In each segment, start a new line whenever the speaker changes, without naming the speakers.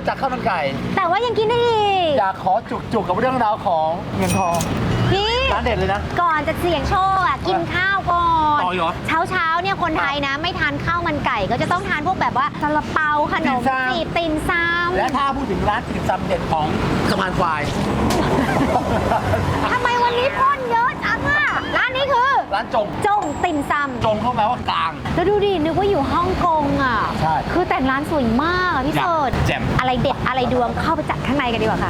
จักข้าวมันไก่
แต่ว่ายังกินได้อีก
อยากขอจุกกับเรื่องราวของเงินทอง
พี่
ร้านเด็ดเลยนะ
ก่อนจะเสี่ยงโชคอ่ะกินข้าวก่อน
ต่อเหรอ
เช้าเนี่ยคนไทยนะไม่ทานข้าวมันไก่ก็จะต้องทานพวกแบบว่าซาลาเปาขนมจีบติ่มซำ
และถ้าพูดถึงร้านติ่มซำเด็ดของสะพานควาย
ทำไมวันนี้พ่นเยอะจังอ่ะร้านนี้คือ
ร้านจง
จงติ่มซำ
จงเข้ามาว่ากลาง
แล้วดูดินึกว่าอยู่ฮ่องกงอ่ะ
ใช่
คือแต่งร้านสวยมากอะพี่
อยาก
เสิร์ช
แจ่ม
อะไรเด็ดอะไรดวงเข้าไปจัดข้างในกันดีกว่าค่ะ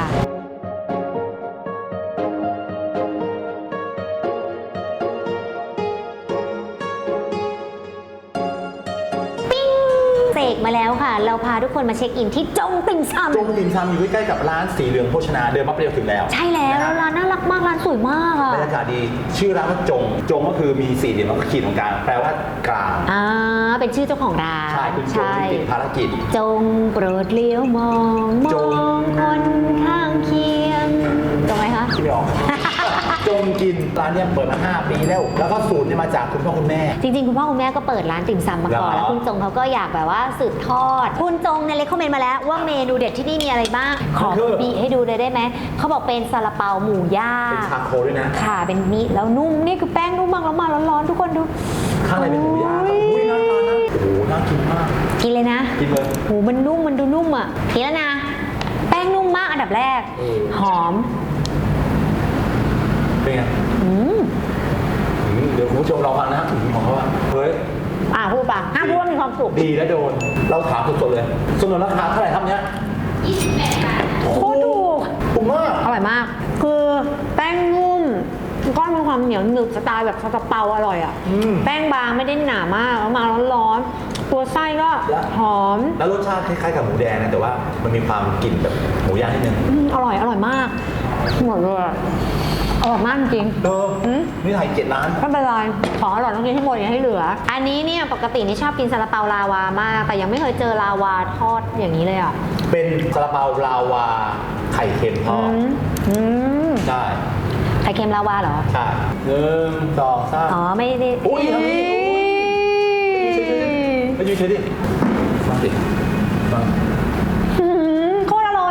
ปิ้งเสกมาแล้วค่ะ เราพาทุกคนมาเช็คอินที่จงติ่มซำ
จงติ่มซำอยู่ใกล้ๆกับร้านสีเหลืองโภชนาเดินมาเปรี้ยวถึงแล้ว
ใช่แล้ว
นะ
แล้ว
ฮะ
ร้านน่ารักมากร้านสวยมากอ่ะ
บรรยากาศดีชื่อร้านว่าจงก็คือมีสี่เหลี่ยมแล้วก็ขีดตรงกลางแปลว่ากลาง
เป็นชื่อเจ้าของร้าน
ใช่คุณจงที่ติดภารกิจ
จงโปรดเลี้ยวมองม
จ
อง งคนข้างเคียงตรงไหมคะ
ที่ไม่ออก จงกินร้านเนี้ยเปิดมา5 ปีแล้วแล้วก็สูตรเนี่ยมาจากคุณพ่อคุณแม่
จริงๆ คุณพ่อคุณแม่ก็เปิดร้านติ่มซำมาก่อน
เหรอ
แล้วคุณจงเขาก็อยากแบบว่าสืบทอด คุณจงเนี่ยเลยคอมเมนต์มาแล้วว่าเมนูเด็ดที่นี่มีอะไรบ้าง ขอบีให้ดูเลยได้ไหม เขาบอกเป็นซาลาเปาหมูย่าง
เป็นชาโคด้วยนะ
ค่ะเป็นนี้แล้วนุ่มนี่คือแป้งนุ่มมากแล้วมาร้อนๆทุกคนดู
ข้างในเป็นหมูย่างอุ้ยน่าทานนะโอ้โหน่ากินมาก
กินเลยนะ
กินเลย
หูมันนุ่มมันดูนุ่มอ่ะกินแล้วนะ แป้งนุ่มมากอันดับแรก หอม
เป็นไงเดี๋ยวคุณผู้ชมเราฟังนะของเขาว่าเฮ้ย
พูดป่ะห้ามพูดว่ามีความสุข
ดีและโดน เราถามสดๆเลยสนุนราคาเท่าไหร่ครับเนี้ย
โคตรถูก
ถูกมาก
อร่อยมาก คือแป้งนุ่มก้อนมีความเหนียวหนึบสไตล์แบบซาลาเปาอร่อยอ่ะ แป้งบางไม่ได้หนามากแล้วมาร้อนๆ ตัวไส้ก็หอม
แล้วรสชาติคล้ายๆกับหมูแดงนะแต่ว่ามันมีความกลิ่นแบบหมูย่างนิดนึง
อร่อยมากหมดเลยอร่อยมากจริง
นี่ถ่าย7 ล้าน
ไม่เป็นไรของอร่อยต้องกินให้หมดอย่าให้เหลือ อันนี้เนี่ยปกตินี่ชอบกินซาลาเปาลาวามาก แต่ยังไม่เคยเจอลาวาทอดอย่างนี้เลยอ่ะ
เป็นซาลาเปาลาวาไข่เค็มทอด ได้
ไข่เค็มลาวาเหรอ
ใช่1 2 3
อ๋อไม่ได้
อุ้ยทำนี่ไปยืนเฉยดิมาสิมา
โคตรอร่อย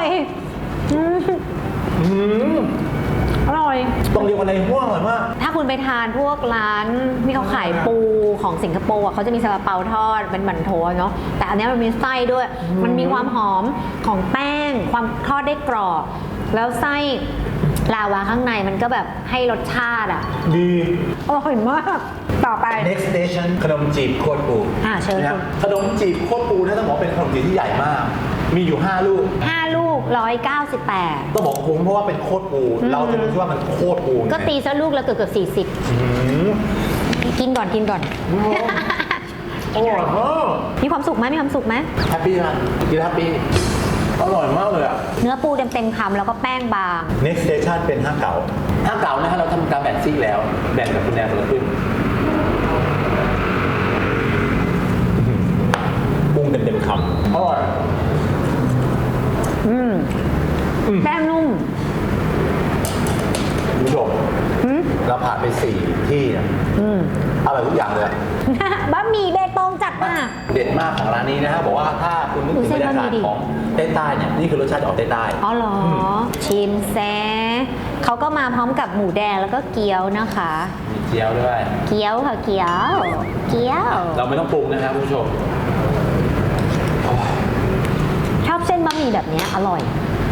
อร่อย
ต้องเรียกว่าอะไรห่วงอร่อยมาก
ถ้าคุณไปทานพวกร้านที่เขาขายปูของสิงคโปร์อ่ะเขาจะมีซาลาเปาทอดเป็นหมั่นโถเนาะแต่อันนี้มันมีไส้ด้วย มันมีความหอมของแป้งความทอดได้กรอบแล้วไส้ลาวาข้างในมันก็แบบให้รสชาติอ่ะ
ดี
อร่อยมากต่อไป
next station ขนมจีบโคตรปู
เชิญ
นะ
คุณ
ขนมจีบโคตรปูนะต้องบอกว่าเป็นขนมจีบที่ใหญ่มาก มีอยู่5 ลูก
5 ลูก 198
ต้องบอกคุ้มเพราะว่าเป็นโคตรปู เราจะรู้ที่ว่ามันโคตรปู
ก็ตีซะลูกละเกือบ40กินก่อน
อร่อยมาก
มีความสุขไหมมีความสุขไหม
แฮปปี้นะกินแฮปปี้อร่อยมากเลยอ่ะ
เนื้อปูเต็มคำแล้วก็แป้งบาง
next station เป็นห้างเก่าห้างเก่านะฮะเราทำการแบ่งซีกแล้ว แบ่งกับคุณแนนคนละครึ่งปรุงเต็มคำอร่อย
แป้งนุ่ม
คุณผู้ชมเราผ่านไป4 ที่นะอร่อยทุกอย่างเลยอะ
บะหมี่เบตงจัดมา
เด็ดมากของร้านนี้นะฮะบอกว่าถ้าคุณนึกถึงบรรยากาศของใต้ๆเนี่ยนี่คือรสชาติออกใต้
อ๋อเหรอ ชิมแซเขาก็มาพร้อมกับหมูแดงแล้วก็เกี๊ยวนะคะ
ๆมีเจียวด้วย
เกี๊ยวค่ะเกี๊ยว
เราไม่ต้องปรุงนะครับคุณผู้ชม
ชอบเส้นบะหมี่แบบนี้อร่อย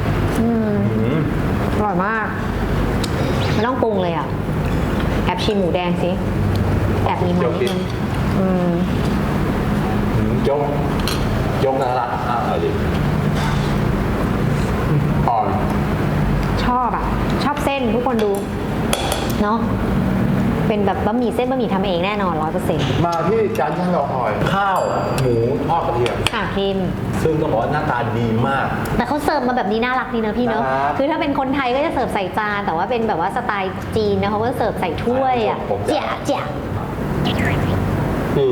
อร่อยมาก ไม่ต้องปรุงเลยอ่ะ แอบชิมหมูแดงสิ แอบมีมันนิดนึง
ยกนะละอร่อยดิอ่อน
ชอบอ่ะ ชอบเส้นทุกคนดู เนาะเป็นแบบบะหมี่เส้นบะหมี่ทำเองแน่นอน 100%
มาที่จานที่เราหอยข้าวหมูทอดกระเทียม
พิม
ซึ่งต้องบอกว่าหน้าตาดีมาก
แต่เขาเสิร์ฟมาแบบนี้น่ารักดีนะพี่เนอะ
ครับ
คือถ้าเป็นคนไทยก็จะเสิร์ฟใส่จาน แต่ว่าเป็นแบบว่าสไตล์จีนนะเขาก็เสิร์ฟใส่ถ้วยอ่ะ
ผมจะ
เจ๋ย
คือ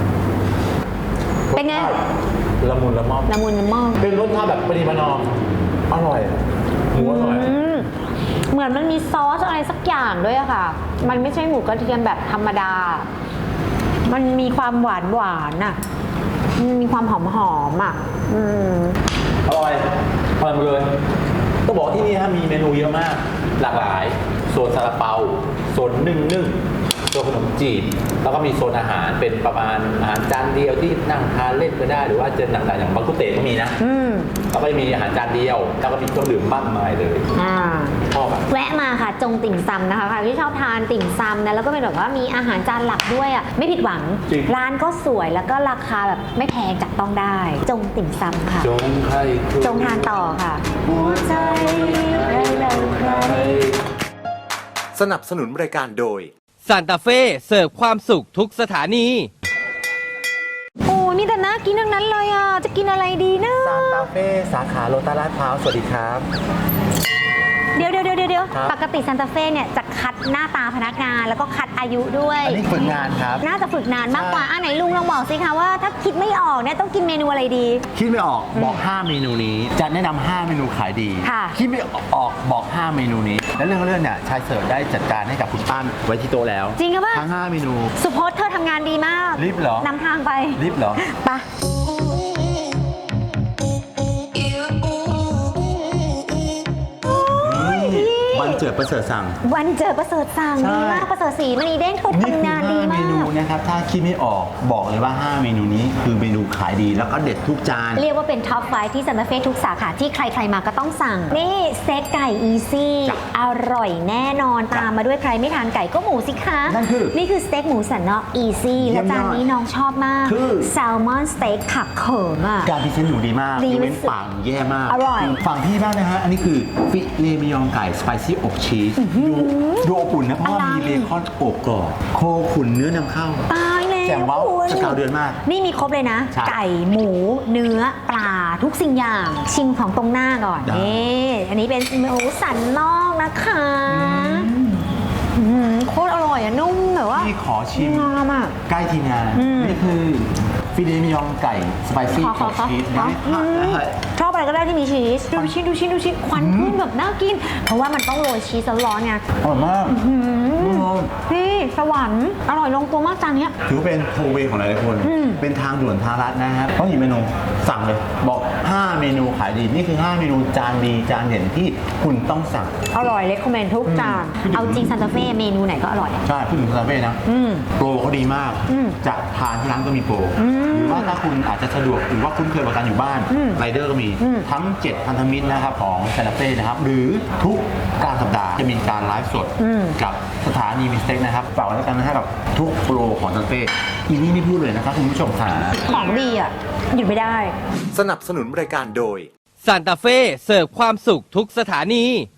เป็นไง
ละมุนละม่อม
ละมุนละม่อม
เป็นรสชาติแบบปริมาณอมอร่อยหมูอร่อย
เหมือนมันมีซอสอะไรสักอย่างด้วยอะค่ะ มันไม่ใช่หมูกระเทียมแบบธรรมดา มันมีความหวานอ่ะมันมีความหอมอ่ะ
อร่อยหมดเลยต้องบอกว่าที่นี่นะมีเมนูเยอะมาก หลากหลายโซนซาลาเปาโซนนึ่งโซนขนมจีบแล้วก็มีโซนอาหารเป็นประมาณอาหารจานเดียวที่นั่งทานเล่นก็ได้หรือว่าจะหนักๆอย่างบางกุเตก็มีนะแล้วก็มีอาหารจานเดียวแล้วก็มีเครื่องดื่มมากมายเลยชอบอะ
แวะมาค่ะจงติ่มซำนะคะใครที่ชอบทานติ่มซำนะแล้วก็เป็นแบบว่ามีอาหารจานหลักด้วยอ่ะไม่ผิดหวัง
จริง
ร้านก็สวยแล้วก็ราคาแบบไม่แพงจับต้องได้ จงติ่มซำค่ะ
จงใคร
จงทานต่อค่ะหัวใจเราใคร
สนับสนุนรายการโดย
ซานตาเฟ่เสิร์ฟความสุขทุกสถานี
โอ้ยมีแต่น่ากินทั้งนั้นเลยอ่ะจะกินอะไรดีนะ
ซานตาเฟ่สาขาโลตัสลาดพร้าวสวัสดีครับ
เดี๋ยว
ครับ
ปกติซานตาเฟ่เนี่ยจะคัดหน้าตาพนักงานแล้วก็คัดอายุด้วย
อันนี้ฝึกงานครับ
น่าจะฝึกนานมากกว่าไหนลุงลองบอกสิคะว่าถ้าคิดไม่ออกเนี่ยต้องกินเมนูอะไรดี
คิดไม่ออกบอก 5 เมนูนี้ จะแนะนำ5 เมนูขายดี
ค่ะ
คิดไม่ออกบอก 5 เมนูนี้ แล้วเรื่องเนี่ยชายเสิร์ฟได้จัดการให้กับคุณป้านไว้ที่โต๊ะแล้ว
จริงหรือเปล่า
ทั้ง 5 เมนู
สุพจน์เธอทำงานดีมาก
รีบเหรอ
นำทางไป
รีบเหรอ
ไปะ
วันเจิดประเสริฐสั่ง
วันเจอประเสริฐสั่ง
ใช่
ดีมากประเสริฐศรีมณีเด้งเธอ
นี่คือ
ทำงานดี
5 เม
มา
นู
ก
นะครับ ถ้าคิดไม่ออกบอกเลยว่า 5 เมนูนี้คือเมนูขายดีแล้วก็เด็ดทุกจาน
เรียกว่าเป็นท็อปไฟที่ซานตาเฟ่ทุกสาขาที่ใครๆมาก็ต้องสั่ง นี่สเต็กไก่อีซี่
จ้ะ
อร่อยแน่นอนตามมาด้วยใครไม่ทานไก่ก็หมูสิคะ
นั่นคือ
นี่คือสเต็กหมูสันนอกอีซี่
เยี่
และ
ยม
จานนี้
ยอด
น้องชอบมาก
คือ
แซลมอนสเต็กผักเขิมอ่ะ
การพรีเซนต์หนูดีมาก
ดี
ยกเว้น
สุด
ปากหนูแย่มาก
อร่อย
ฝั่งพี่บ้างนะฮะ อันนี้คือฟิเลมิยองไก่สไปซี่อบชีสดูอบอุ่นนะเพราะว่ามีเบคอนอบกรอบโคขุนเนื้อนำเข้า
ตายแล้ว
แจ่มเว้า
คุณ
สกาวเดือนมาก
นี่มีครบเลยนะ
ใช่
ไก่หมูเนื้อปลาทุกสิ่งอย่าง ชิมของตรงหน้าก่อน
ได้
นี่อันนี้เป็นหมูสันนอกนะคะโคตรอร่อยอะนุ่มแบบว่า
พี่ขอชิม
งามอ่ะ
ใกล้ทีมงาน นี่คือฟิเลมิยองไก่สไปซี่
ขอ
อบชีสนะ
ชอบอะไรก็ได้ที่มีชีสดูชิ้นควันขึ้นแบบน่ากิน เพราะว่ามันต้องโรยชีสร้อนๆไง
อร่อยมาก
พี่สวรรค์อร่อยลงตัวมากจานเนี้ย
ถือว่าเป็นโทเวของหลายๆคน เป็นทางด่วนทางลัดนะครับเพราะมีเมนูสั่งเลย บอก 5 เมนูขายดี นี่คือ 5 เมนูจานดีจานเด่นที่คุณต้องสั่ง
อร่อยเลคคอมเมนทุกจาน เอาจริงซานตาเฟ่เมนูไหนก็อร่อยอะ
ใช่พูดถึงซาเฟ่นะ โปรเขาดีมาก จะทานที่ร้านก็มีโปร หรือว่าถ้าคุณอาจจะสะดวกหรือว่าคุ้นเคยกับการอยู่บ้านไรเดอร์ก็มีทั้ง 7 พันธมิตรนะครับของซาเฟ่นะครับ หรือทุกกลางสัปดาห์จะมีการไลฟ์สดกับสถานีมิสเต็กนะครับฝากไว้แล้วกันนะฮะกับทุกโปรของซาเฟ่อีนี่ไม่พูดเลยนะครับคุณผู้ชมค่ะ
ของดีอ่ะ หยุดไม่ได้
สนับสนุนรายการโดย
ซานตาเฟ่เสิร์ฟความสุขทุกสถานี